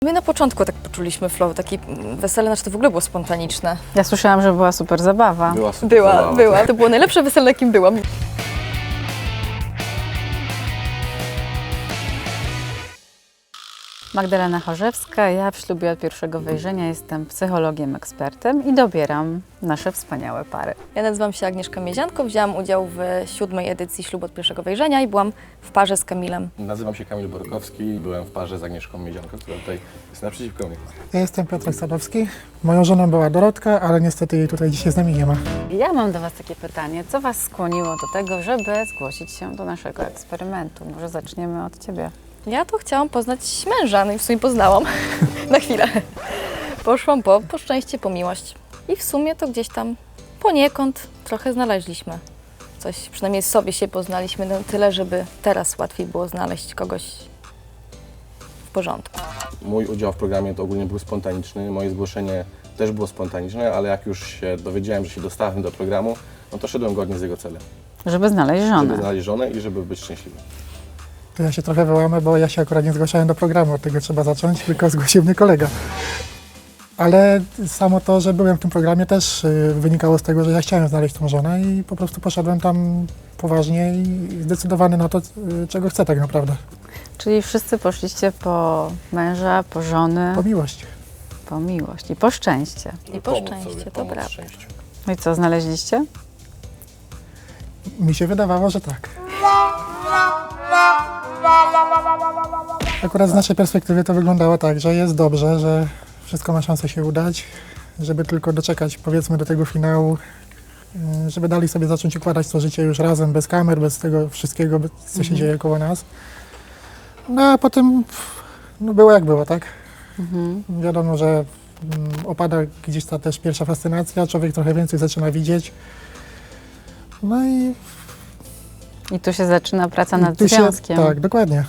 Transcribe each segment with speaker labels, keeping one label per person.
Speaker 1: My na początku tak poczuliśmy flow, taki wesele, znaczy to w ogóle było spontaniczne.
Speaker 2: Ja słyszałam, że była super zabawa.
Speaker 3: Była super zabawa.
Speaker 1: Była. To było najlepsze wesele, na jakim byłam.
Speaker 2: Magdalena Chorzewska, ja w ślubie od pierwszego wejrzenia jestem psychologiem, ekspertem i dobieram nasze wspaniałe pary.
Speaker 1: Ja nazywam się Agnieszka Miezianko, wzięłam udział w 7. edycji ślubu od pierwszego wejrzenia i byłam w parze z Kamilem.
Speaker 3: Nazywam się Kamil Borkowski i byłem w parze z Agnieszką Miezianką, która tutaj jest naprzeciwko mnie.
Speaker 4: Ja jestem Piotrek Sadowski. Moją żoną była Dorotka, ale niestety jej tutaj dzisiaj z nami nie ma.
Speaker 2: Ja mam do Was takie pytanie, co Was skłoniło do tego, żeby zgłosić się do naszego eksperymentu? Może zaczniemy od Ciebie.
Speaker 1: Ja to chciałam poznać męża, no i w sumie poznałam na chwilę. Poszłam po szczęście, po miłość. I w sumie to gdzieś tam poniekąd trochę znaleźliśmy. Coś, przynajmniej sobie się poznaliśmy na tyle, żeby teraz łatwiej było znaleźć kogoś w porządku.
Speaker 3: Mój udział w programie to ogólnie był spontaniczny, moje zgłoszenie też było spontaniczne, ale jak już się dowiedziałem, że się dostałem do programu, no to szedłem godnie z jego celem.
Speaker 2: Żeby znaleźć żonę.
Speaker 3: Żeby znaleźć żonę i żeby być szczęśliwym.
Speaker 4: To ja się trochę wyłamę, bo ja się akurat nie zgłaszałem do programu, od tego trzeba zacząć, tylko zgłosił mnie kolega. Ale samo to, że byłem w tym programie też wynikało z tego, że ja chciałem znaleźć tą żonę i po prostu poszedłem tam poważnie i zdecydowany na to, czego chcę tak naprawdę.
Speaker 2: Czyli wszyscy poszliście po męża, po żony,
Speaker 4: Po miłość.
Speaker 2: po miłość i po szczęście.
Speaker 1: I po
Speaker 3: Pomóc
Speaker 1: szczęście,
Speaker 3: sobie,
Speaker 1: to
Speaker 3: pomóc
Speaker 1: prawda.
Speaker 3: szczęściu.
Speaker 2: No i co, znaleźliście?
Speaker 4: Mi się wydawało, że tak. Akurat z naszej perspektywy to wyglądało tak, że jest dobrze, że wszystko ma szansę się udać, żeby tylko doczekać, powiedzmy, do tego finału, żeby dalej sobie zacząć układać to życie już razem, bez kamer, bez tego wszystkiego, co się dzieje koło nas. No a potem no było jak było, tak? Wiadomo, że opada gdzieś ta też pierwsza fascynacja, człowiek trochę więcej zaczyna widzieć. No
Speaker 2: I tu się zaczyna praca nad
Speaker 4: tu się,
Speaker 2: związkiem.
Speaker 4: tak, dokładnie.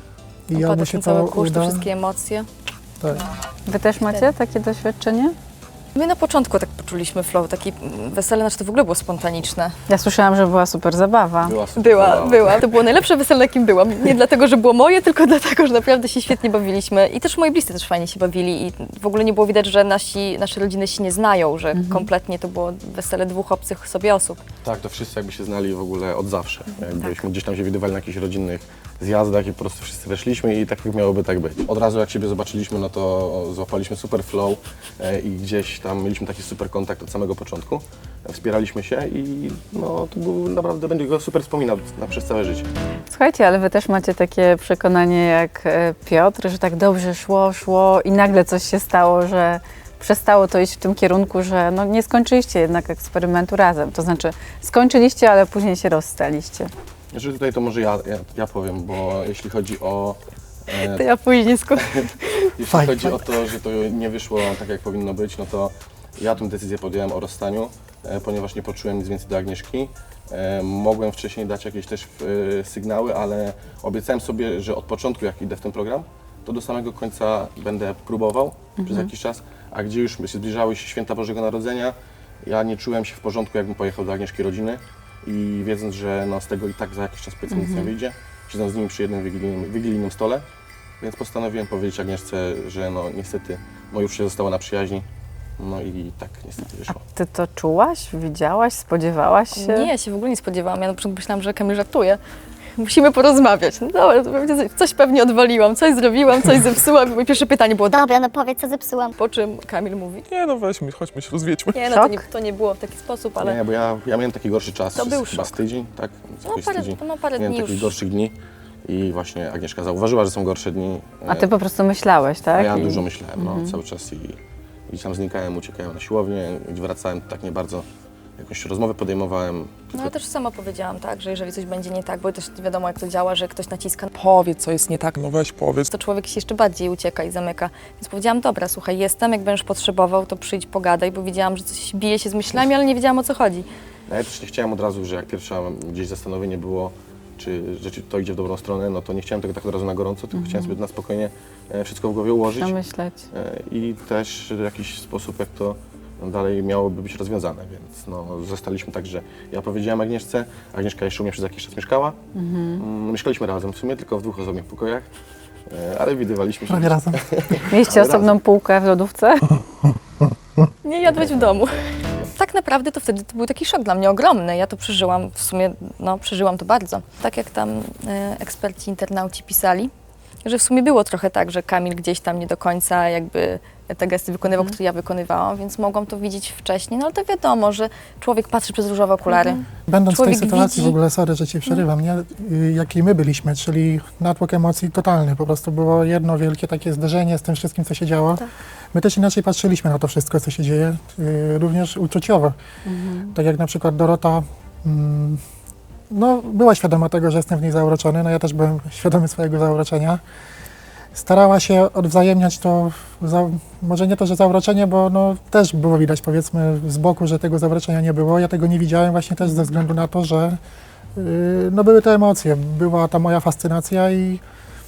Speaker 4: I
Speaker 1: Opada
Speaker 4: albo
Speaker 1: ten
Speaker 4: się
Speaker 1: cały
Speaker 4: to
Speaker 1: kurz, te
Speaker 4: uda,
Speaker 1: wszystkie emocje.
Speaker 4: tak.
Speaker 2: Wy też macie takie doświadczenie?
Speaker 1: My na początku tak poczuliśmy flow, taki wesele, znaczy to w ogóle było spontaniczne.
Speaker 2: Ja słyszałam, że była super zabawa.
Speaker 3: Była super zabawa.
Speaker 1: Była. To było najlepsze wesele, na jakim byłam. Nie dlatego, że było moje, tylko dlatego, że naprawdę się świetnie bawiliśmy. I też moi bliscy też fajnie się bawili i w ogóle nie było widać, że nasze rodziny się nie znają, że kompletnie to było wesele dwóch obcych sobie osób.
Speaker 3: Tak, to wszyscy jakby się znali w ogóle od zawsze. Jakbyśmy gdzieś tam się widywali na jakichś rodzinnych zjazdach i po prostu wszyscy weszliśmy i tak miałoby tak być. Od razu jak siebie zobaczyliśmy, no to złapaliśmy super flow i gdzieś tam mieliśmy taki super kontakt od samego początku. Wspieraliśmy się i no to był naprawdę, będzie go super wspominał przez całe życie.
Speaker 2: Słuchajcie, ale Wy też macie takie przekonanie jak Piotr, że tak dobrze szło i nagle coś się stało, że przestało to iść w tym kierunku, że no nie skończyliście jednak eksperymentu razem. To znaczy skończyliście, ale później się rozstaliście.
Speaker 3: Znaczy tutaj to może ja powiem, bo jeśli chodzi o
Speaker 1: To ja później
Speaker 3: jeśli
Speaker 4: Fajnie,
Speaker 3: chodzi o to, że to nie wyszło tak jak powinno być, no to ja tę decyzję podjąłem o rozstaniu, ponieważ nie poczułem nic więcej do Agnieszki. Mogłem wcześniej dać jakieś też sygnały, ale obiecałem sobie, że od początku jak idę w ten program, to do samego końca będę próbował przez jakiś czas, a gdzie już się zbliżały się święta Bożego Narodzenia, ja nie czułem się w porządku, jakbym pojechał do Agnieszki rodziny i wiedząc, że no, z tego i tak za jakiś czas powiedzmy nic nie wyjdzie, siedząc z nimi przy jednym wigilijnym stole, więc postanowiłem powiedzieć Agnieszce, że no niestety moje życie zostało na przyjaźni, no i tak niestety
Speaker 2: A
Speaker 3: wyszło.
Speaker 2: Ty to czułaś, widziałaś, spodziewałaś się?
Speaker 1: Nie, ja się w ogóle nie spodziewałam. Ja na początku myślałam, że Kamil żartuje. Musimy porozmawiać. No dobra, to coś pewnie odwaliłam, coś zrobiłam, coś zepsułam. Moje pierwsze pytanie było,
Speaker 5: Dobra, no powiedz, co zepsułam.
Speaker 1: po czym Kamil mówi,
Speaker 6: Nie no weźmy, chodźmy się rozwiedźmy.
Speaker 1: nie, no
Speaker 2: Szok?
Speaker 1: to nie było w taki sposób, ale
Speaker 3: Nie, bo ja miałem taki gorszy czas,
Speaker 1: To był
Speaker 3: chyba
Speaker 1: szok.
Speaker 3: z tydzień, tak? Jakoś z tydzień.
Speaker 1: parę
Speaker 3: Miałem
Speaker 1: dni
Speaker 3: takich
Speaker 1: już.
Speaker 3: gorszych dni i właśnie Agnieszka zauważyła, że są gorsze dni.
Speaker 2: A Ty po prostu myślałeś, tak?
Speaker 3: A ja
Speaker 2: I-
Speaker 3: dużo myślałem, no, cały czas i gdzieś tam znikałem, uciekałem na siłownię, gdzie wracałem, tak nie bardzo jakąś rozmowę podejmowałem.
Speaker 1: No ja też sama powiedziałam, tak, że jeżeli coś będzie nie tak, bo też wiadomo jak to działa, że ktoś naciska,
Speaker 6: Powiedz, co jest nie tak. No weź powiedz.
Speaker 1: to człowiek się jeszcze bardziej ucieka i zamyka. Więc powiedziałam, dobra, słuchaj, jestem, jak będziesz potrzebował, to przyjdź, pogadaj, bo widziałam, że coś bije się z myślami, ale nie wiedziałam, o co chodzi.
Speaker 3: No, ja też nie chciałem od razu, że jak pierwsza gdzieś zastanowienie było, czy to idzie w dobrą stronę, no to nie chciałem tego tak od razu na gorąco, tylko chciałem sobie na spokojnie wszystko w głowie ułożyć
Speaker 2: Przemyśleć.
Speaker 3: i też w jakiś sposób, jak to dalej miałoby być rozwiązane, więc no, zostaliśmy tak, że ja powiedziałem Agnieszce, Agnieszka jeszcze u mnie przez jakiś czas mieszkała. Mieszkaliśmy razem w sumie, tylko w dwóch osobnych pokojach. ale widywaliśmy się.
Speaker 4: Prawie razem.
Speaker 2: Mieliście
Speaker 3: Ale
Speaker 2: osobną półkę w lodówce?
Speaker 1: Nie jadłeś w domu. Tak naprawdę to wtedy to był taki szok dla mnie ogromny. Ja to przeżyłam, w sumie przeżyłam to bardzo. Tak jak tam eksperci, internauci pisali, że w sumie było trochę tak, że Kamil gdzieś tam nie do końca jakby te gesty wykonywał, które ja wykonywałam, więc mogłam to widzieć wcześniej. No ale to wiadomo, że człowiek patrzy przez różowe okulary.
Speaker 4: Będąc w tej
Speaker 1: Człowiek
Speaker 4: sytuacji,
Speaker 1: widzi.
Speaker 4: w ogóle, sorry, że Ci przerywam, nie? Jakiej my byliśmy, czyli natłok emocji totalny. Po prostu było jedno wielkie takie zderzenie z tym wszystkim, co się działo.
Speaker 1: Tak.
Speaker 4: My też inaczej patrzyliśmy na to wszystko, co się dzieje, również uczuciowo. Tak jak na przykład Dorota była świadoma tego, że jestem w niej zauroczony, no ja też byłem świadomy swojego zauroczenia. Starała się odwzajemniać to, może nie to, że zauroczenie, bo też było widać, powiedzmy, z boku, że tego zauroczenia nie było. Ja tego nie widziałem właśnie też ze względu na to, że były te emocje, była ta moja fascynacja i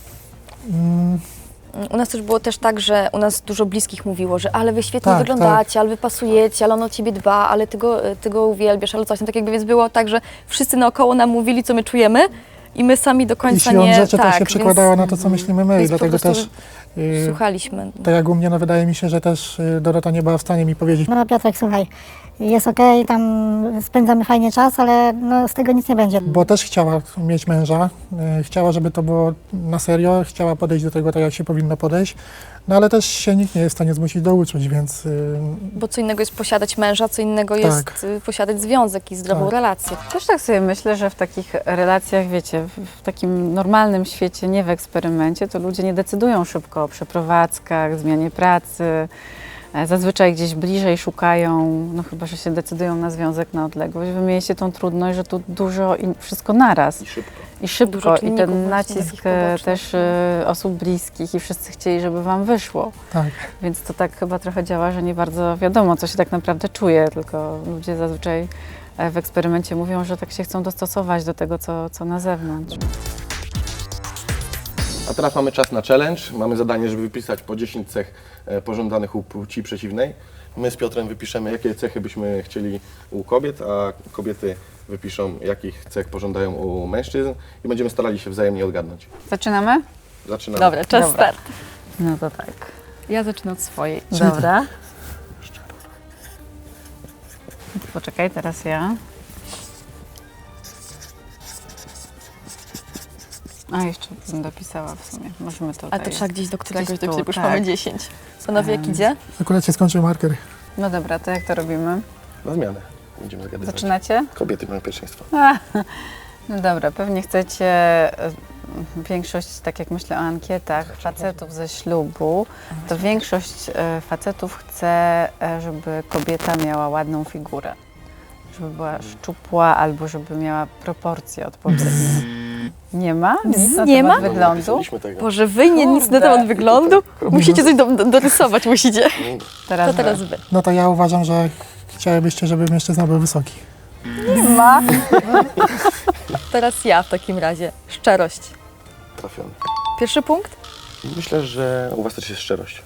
Speaker 1: U nas też było też tak, że u nas dużo bliskich mówiło, że ale wy świetnie
Speaker 4: Tak,
Speaker 1: wyglądacie, ale wy pasujecie, ale on o ciebie dba, ale ty go uwielbiasz, ale coś tam. Tak jakby więc było tak, że wszyscy naokoło nam mówili, co my czujemy i my sami do
Speaker 4: i
Speaker 1: końca
Speaker 4: siłą
Speaker 1: nie...
Speaker 4: rzeczy to się
Speaker 1: więc
Speaker 4: przekładało na to, co myślimy my i
Speaker 1: więc po
Speaker 4: dlatego
Speaker 1: prostu
Speaker 4: też,
Speaker 1: słuchaliśmy.
Speaker 4: tak jak u mnie, wydaje mi się, że też Dorota nie była w stanie mi powiedzieć,
Speaker 5: No Piotrek, słuchaj, jest okej, tam spędzamy fajnie czas, ale z tego nic nie będzie.
Speaker 4: bo też chciała mieć męża, chciała, żeby to było na serio, chciała podejść do tego tak, jak się powinno podejść, no ale też się nikt nie jest w stanie zmusić do uczuć, więc
Speaker 1: Bo co innego jest posiadać męża, co innego
Speaker 4: Tak.
Speaker 1: jest posiadać związek i zdrową
Speaker 4: Tak.
Speaker 1: relację.
Speaker 2: Też tak sobie myślę, że w takich relacjach, wiecie, w takim normalnym świecie, nie w eksperymencie, to ludzie nie decydują szybko o przeprowadzkach, zmianie pracy. Zazwyczaj gdzieś bliżej szukają, no chyba, że się decydują na związek na odległość. Wy mieliście tą trudność, że tu dużo i wszystko naraz.
Speaker 3: I szybko.
Speaker 2: I szybko.
Speaker 1: Dużo
Speaker 2: I
Speaker 1: czynników
Speaker 2: ten
Speaker 1: właśnie
Speaker 2: nacisk
Speaker 1: takich pobocznych.
Speaker 2: też osób bliskich i wszyscy chcieli, żeby wam wyszło.
Speaker 4: tak.
Speaker 2: Więc to tak chyba trochę działa, że nie bardzo wiadomo, co się tak naprawdę czuje, tylko ludzie zazwyczaj w eksperymencie mówią, że tak się chcą dostosować do tego, co na zewnątrz.
Speaker 3: A teraz mamy czas na challenge. Mamy zadanie, żeby wypisać po 10 cech pożądanych u płci przeciwnej. My z Piotrem wypiszemy, jakie cechy byśmy chcieli u kobiet, a kobiety wypiszą, jakich cech pożądają u mężczyzn i będziemy starali się wzajemnie odgadnąć.
Speaker 2: Zaczynamy?
Speaker 3: Zaczynamy.
Speaker 1: Dobra, czas
Speaker 2: Dobra.
Speaker 1: start.
Speaker 2: No to tak.
Speaker 1: Ja zacznę od swojej.
Speaker 2: Dobra. Poczekaj, teraz ja. A, jeszcze bym dopisała w sumie. Możemy to.
Speaker 1: A to trzeba gdzieś do któregoś,
Speaker 2: Gdzieś
Speaker 1: to
Speaker 2: tu,
Speaker 1: już
Speaker 2: tak.
Speaker 1: mamy 10. Panowie, jak idzie?
Speaker 4: Akurat się skończył marker.
Speaker 2: No dobra, to jak to robimy?
Speaker 3: Na zmianę. Będziemy zgadywać.
Speaker 2: Zaczynacie?
Speaker 3: Kobiety mają pierwszeństwo.
Speaker 2: No dobra, pewnie chcecie, większość, tak jak myślę o ankietach, facetów ze ślubu, to większość facetów chce, żeby kobieta miała ładną figurę. Żeby była szczupła albo żeby miała proporcje odpowiednie. Nie ma? Nic na
Speaker 1: Nie
Speaker 2: temat
Speaker 1: ma?
Speaker 3: Nie
Speaker 2: wyglądu?
Speaker 3: napisaliśmy tego.
Speaker 1: Boże, wy nie nic na
Speaker 2: Kurde.
Speaker 1: temat wyglądu? Musicie coś dorysować, musicie. To teraz wy.
Speaker 4: No to ja uważam, że chciałybyście, żeby mężczyzna był wysoki.
Speaker 2: Nie ma.
Speaker 1: Teraz ja w takim razie. Szczerość.
Speaker 3: Trafiony.
Speaker 1: Pierwszy punkt?
Speaker 3: Myślę, że u Was też jest szczerość.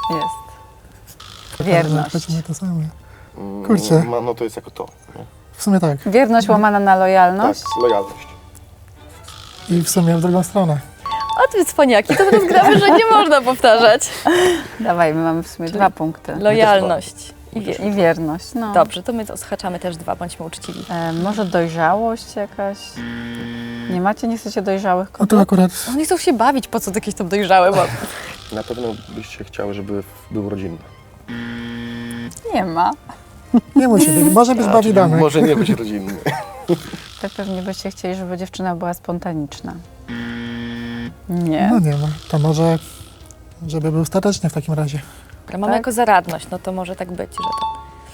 Speaker 2: Jest. Wierność.
Speaker 4: Chcemy to samo. Kurczę.
Speaker 3: No to jest jako to. Nie?
Speaker 4: W sumie tak.
Speaker 2: Wierność łamana na lojalność.
Speaker 3: Tak, lojalność.
Speaker 4: I w sumie w drugą stronę.
Speaker 1: A ty cwaniaki, to teraz gramy, że nie można powtarzać.
Speaker 2: Dawaj, my mamy w sumie 2 punkty.
Speaker 1: Lojalność i wierność.
Speaker 2: I wierność, no.
Speaker 1: Dobrze, to my odhaczamy też 2, bądźmy uczciwi.
Speaker 2: Może dojrzałość jakaś? Nie macie? Nie chcecie dojrzałych
Speaker 4: No
Speaker 2: kobiet?
Speaker 4: to akurat
Speaker 1: Oni chcą się bawić, po co jakieś tam dojrzałe, bo
Speaker 3: Na pewno byście chciały, żeby był rodzinny.
Speaker 2: Nie ma.
Speaker 4: nie musi być. Może być bardziej damy.
Speaker 3: Może nie być rodzinny.
Speaker 2: To pewnie byście chcieli, żeby dziewczyna była spontaniczna. Nie.
Speaker 4: No nie ma. To może, żeby był stateczny w takim razie.
Speaker 1: mamy
Speaker 2: Tak?
Speaker 1: jako zaradność, no to może tak być, że to,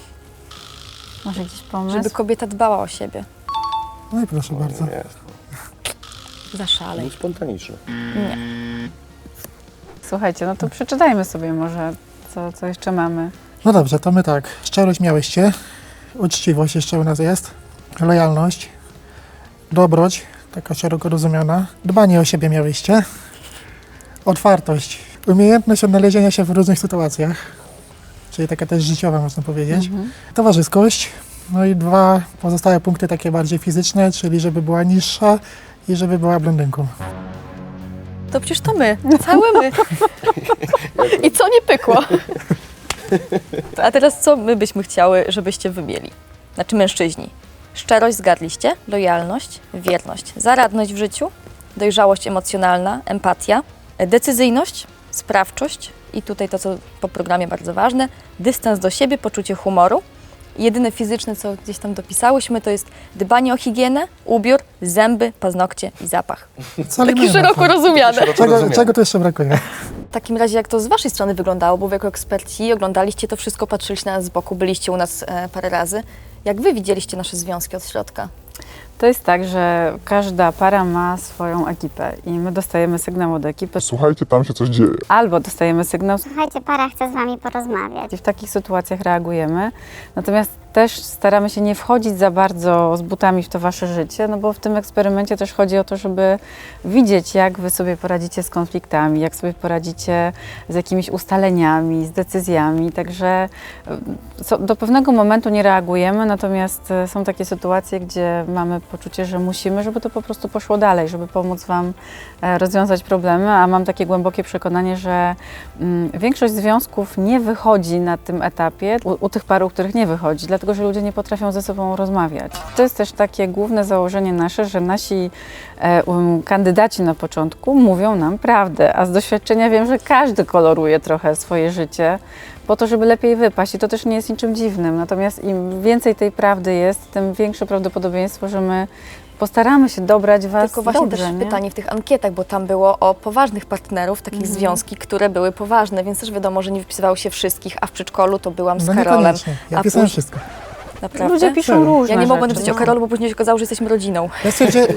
Speaker 2: Może jakiś pomysł?
Speaker 1: żeby kobieta dbała o siebie.
Speaker 4: No i proszę bardzo.
Speaker 3: Nie,
Speaker 1: Zaszalej.
Speaker 3: był spontaniczny.
Speaker 1: Nie.
Speaker 2: Słuchajcie, no to przeczytajmy sobie może, co jeszcze mamy.
Speaker 4: No dobrze, to my tak. Szczerość miałyście. Uczciwość jeszcze u nas jest. Lojalność. Dobroć, taka szeroko rozumiana. Dbanie o siebie miałyście. Otwartość. Umiejętność odnalezienia się w różnych sytuacjach. Czyli taka też życiowa, można powiedzieć. Towarzyskość. No i 2 pozostałe punkty takie bardziej fizyczne, czyli żeby była niższa i żeby była blondynką.
Speaker 1: To przecież to my, całe my. I co nie pykło? A teraz co my byśmy chciały, żebyście wy mieli? Znaczy mężczyźni. Szczerość zgadliście, lojalność, wierność, zaradność w życiu, dojrzałość emocjonalna, empatia, decyzyjność, sprawczość i tutaj to, co po programie bardzo ważne, dystans do siebie, poczucie humoru. Jedyne fizyczne, co gdzieś tam dopisałyśmy, to jest dbanie o higienę, ubiór, zęby, paznokcie i zapach.
Speaker 4: Wcale
Speaker 1: Taki
Speaker 4: nie ma,
Speaker 1: szeroko
Speaker 4: tak.
Speaker 1: rozumiane.
Speaker 4: Czego tu jeszcze brakuje?
Speaker 1: W takim razie, jak to z waszej strony wyglądało, bo wy jako eksperci oglądaliście to wszystko, patrzyliście na nas z boku, byliście u nas parę razy. Jak wy widzieliście nasze związki od środka?
Speaker 2: To jest tak, że każda para ma swoją ekipę i my dostajemy sygnał od ekipy,
Speaker 6: Słuchajcie, tam się coś dzieje.
Speaker 2: albo dostajemy sygnał
Speaker 7: Słuchajcie, para chce z wami porozmawiać.
Speaker 2: i w takich sytuacjach reagujemy. Natomiast też staramy się nie wchodzić za bardzo z butami w to wasze życie, no bo w tym eksperymencie też chodzi o to, żeby widzieć, jak wy sobie poradzicie z konfliktami, jak sobie poradzicie z jakimiś ustaleniami, z decyzjami. Także do pewnego momentu nie reagujemy, natomiast są takie sytuacje, gdzie mamy poczucie, że musimy, żeby to po prostu poszło dalej, żeby pomóc wam rozwiązać problemy, a mam takie głębokie przekonanie, że większość związków nie wychodzi na tym etapie, u tych par, u których nie wychodzi, dlatego że ludzie nie potrafią ze sobą rozmawiać. To jest też takie główne założenie nasze, że nasi kandydaci na początku mówią nam prawdę, a z doświadczenia wiem, że każdy koloruje trochę swoje życie po to, żeby lepiej wypaść i to też nie jest niczym dziwnym. Natomiast im więcej tej prawdy jest, tym większe prawdopodobieństwo, że my postaramy się dobrać was
Speaker 1: Tylko właśnie
Speaker 2: dobrze,
Speaker 1: też
Speaker 2: nie?
Speaker 1: pytanie w tych ankietach, bo tam było o poważnych partnerów, takich związki, które były poważne, więc też wiadomo, że nie wypisywało się wszystkich, a w przedszkolu to byłam z
Speaker 4: No
Speaker 1: Karolem.
Speaker 4: niekoniecznie. Ja
Speaker 1: A
Speaker 4: pisałem
Speaker 1: później-
Speaker 4: wszystko.
Speaker 1: Naprawdę?
Speaker 2: Ludzie piszą
Speaker 4: Serio?
Speaker 2: różne
Speaker 1: Ja nie mogłam
Speaker 2: rzeczy.
Speaker 1: napisać o Karolu, bo później się okazało, że jesteśmy rodziną.
Speaker 4: Ja stwierdziłem...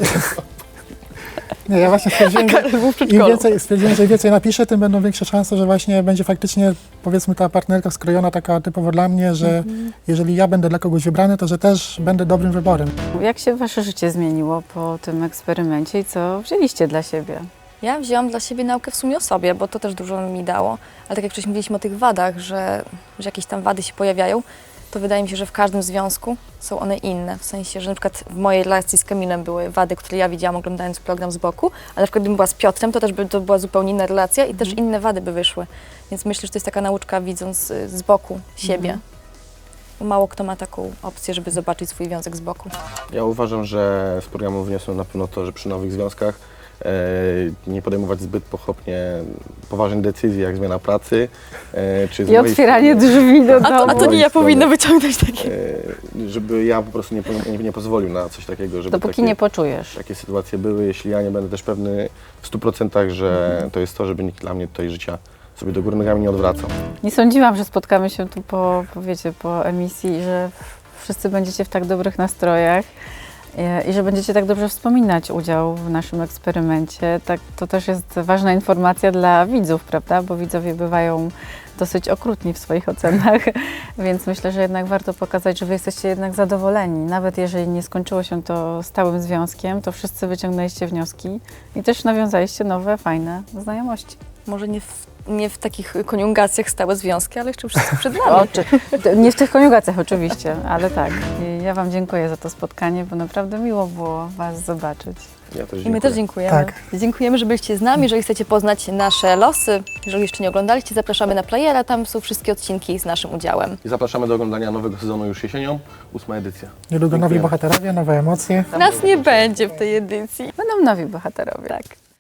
Speaker 4: Nie, ja właśnie stwierdziłem, że
Speaker 1: Karol był w
Speaker 4: im
Speaker 1: przedszkolu.
Speaker 4: więcej, stwierdziłem, że im więcej napiszę, tym będą większe szanse, że właśnie będzie faktycznie, powiedzmy, ta partnerka skrojona taka typowo dla mnie, że jeżeli ja będę dla kogoś wybrany, to że też będę dobrym wyborem.
Speaker 2: Jak się wasze życie zmieniło po tym eksperymencie i co wzięliście dla siebie?
Speaker 1: Ja wzięłam dla siebie naukę w sumie o sobie, bo to też dużo mi dało. Ale tak jak wcześniej mówiliśmy o tych wadach, że jakieś tam wady się pojawiają, to wydaje mi się, że w każdym związku są one inne. W sensie, że na przykład w mojej relacji z Kamilem były wady, które ja widziałam oglądając program z boku, ale na przykład gdybym była z Piotrem, to też by to była zupełnie inna relacja i też inne wady by wyszły. Więc myślę, że to jest taka nauczka widząc z boku siebie. Bo mało kto ma taką opcję, żeby zobaczyć swój związek z boku.
Speaker 3: Ja uważam, że z programu wniosłem na pewno to, że przy nowych związkach nie podejmować zbyt pochopnie poważnych decyzji, jak zmiana pracy, czy z
Speaker 2: I
Speaker 3: mojej
Speaker 2: otwieranie
Speaker 3: strony,
Speaker 2: drzwi do
Speaker 1: A to
Speaker 2: domu.
Speaker 1: nie
Speaker 3: mojej
Speaker 1: ja
Speaker 3: strony.
Speaker 1: powinna wyciągnąć takie.
Speaker 3: Żeby ja po prostu nie pozwolił na coś takiego, żeby
Speaker 2: Dopóki nie poczujesz.
Speaker 3: takie sytuacje były, jeśli ja nie będę też pewny w 100%, że to jest to, żeby nikt dla mnie tutaj życia sobie do góry nogami nie odwracał.
Speaker 2: Nie sądziłam, że spotkamy się tu po emisji i że wszyscy będziecie w tak dobrych nastrojach i że będziecie tak dobrze wspominać udział w naszym eksperymencie. Tak, to też jest ważna informacja dla widzów, prawda? Bo widzowie bywają dosyć okrutni w swoich ocenach, więc myślę, że jednak warto pokazać, że wy jesteście jednak zadowoleni. Nawet jeżeli nie skończyło się to stałym związkiem, to wszyscy wyciągnęliście wnioski i też nawiązaliście nowe, fajne znajomości.
Speaker 1: Może nie w takich koniugacjach stałe związki, ale jeszcze wszystko przed nami.
Speaker 2: Nie w tych koniugacjach oczywiście, ale tak. I ja wam dziękuję za to spotkanie, bo naprawdę miło było was zobaczyć.
Speaker 3: Ja też
Speaker 1: I my
Speaker 3: dziękuję.
Speaker 1: też dziękujemy.
Speaker 4: Tak.
Speaker 1: Dziękujemy, że byliście z nami. Jeżeli chcecie poznać nasze losy, jeżeli jeszcze nie oglądaliście, zapraszamy na Playera. Tam są wszystkie odcinki z naszym udziałem.
Speaker 3: I zapraszamy do oglądania nowego sezonu już jesienią, 8 edycja.
Speaker 4: Niedługo nowi
Speaker 3: Dziękuję.
Speaker 4: bohaterowie, nowe emocje.
Speaker 1: Nas nie będzie w tej edycji.
Speaker 2: Będą nowi bohaterowie.
Speaker 1: Tak.